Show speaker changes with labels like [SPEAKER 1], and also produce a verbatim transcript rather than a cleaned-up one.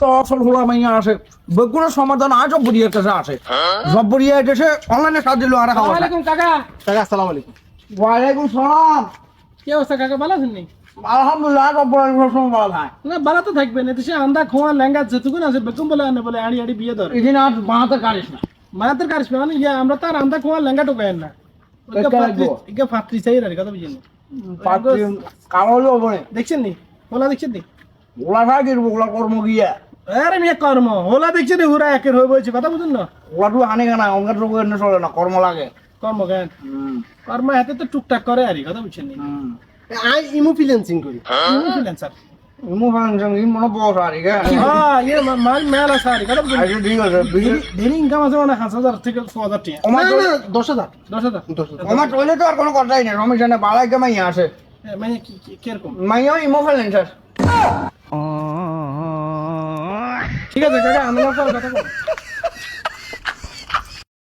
[SPEAKER 1] তো আসল হোলা মাইয়া আসে বেগুন সমাধান আজ জব্বরিয়ার কাছে আসে জব্বরিয়া এসে অনলাইনে সাহায্য দিল আর খাওয়া
[SPEAKER 2] আসসালামু আলাইকুম কাকা।
[SPEAKER 3] কাকা আসসালামু আলাইকুম।
[SPEAKER 1] ওয়ালাইকুম সালাম।
[SPEAKER 2] কি অবস্থা কাকা, ভালো আছেন নি?
[SPEAKER 1] আলহামদুলিল্লাহ জব্বরিয়া সবসময় ভালো থাকে।
[SPEAKER 2] না ভালো তো থাকবেন, এদেশে আন্দা খোয়া লেঙ্গা যেটুকুন আছে বেকুম বলে আনে বলে আড়ি আড়ি বিয়ে ধরে
[SPEAKER 1] এখানে আর বানাতে পারিস না।
[SPEAKER 2] মায়াতের কারিস মানে ইয়া আমরা তার আন্দা খোয়া লেঙ্গা টোকায়েন না।
[SPEAKER 1] এটা লাগবো।
[SPEAKER 2] ইকে ফাত্রি চাই আর কথা বুঝেন।
[SPEAKER 1] পাত্রী কামড় বলে
[SPEAKER 2] দেখছেন নি হোলা, দেখছেন নি?
[SPEAKER 1] ওলা খাই গেল ওলা কর্ম গিয়া
[SPEAKER 2] আরে মিয়া কর্ম হোলা দেখছেন নি হুরা একের হয়ে বলছে কথা বুঝুন না।
[SPEAKER 1] ওলাটু হানি কেনা অঙ্কের রোগ এনে চলে না কর্ম লাগে।
[SPEAKER 2] কর্ম জ্ঞান কর্ম হাতে তো টুকটাক করে আর কথা বুঝছেন নি।
[SPEAKER 3] আই ইমো ফ্রিল্যান্সিং করি।
[SPEAKER 2] ফ্রিল্যান্সার
[SPEAKER 1] ইমু ফাংশন ই মনে পড়ছ আর কি
[SPEAKER 2] হ্যাঁ ইয়ে মাল মেলা সারি কথা বুঝুন।
[SPEAKER 1] আচ্ছা ঠিক আছে
[SPEAKER 2] ডেলি ইনকাম আছে মানে পাঁচ হাজার থেকে ছ হাজার টাকা,
[SPEAKER 1] আমার
[SPEAKER 3] না না দশ হাজার
[SPEAKER 2] দশ হাজার।
[SPEAKER 3] দশ হাজার।
[SPEAKER 1] আমার চলে তো আর কোনো কথাই নেই সমস্যা নেই বালাই কে মাইয়া আসে
[SPEAKER 2] হ্যাঁ, মানে কি কি- কিরকম?
[SPEAKER 1] মাইয়া ইমো ফেলেন স্যার
[SPEAKER 2] ঠিক আছে কাকা, আমি কথা বলবো।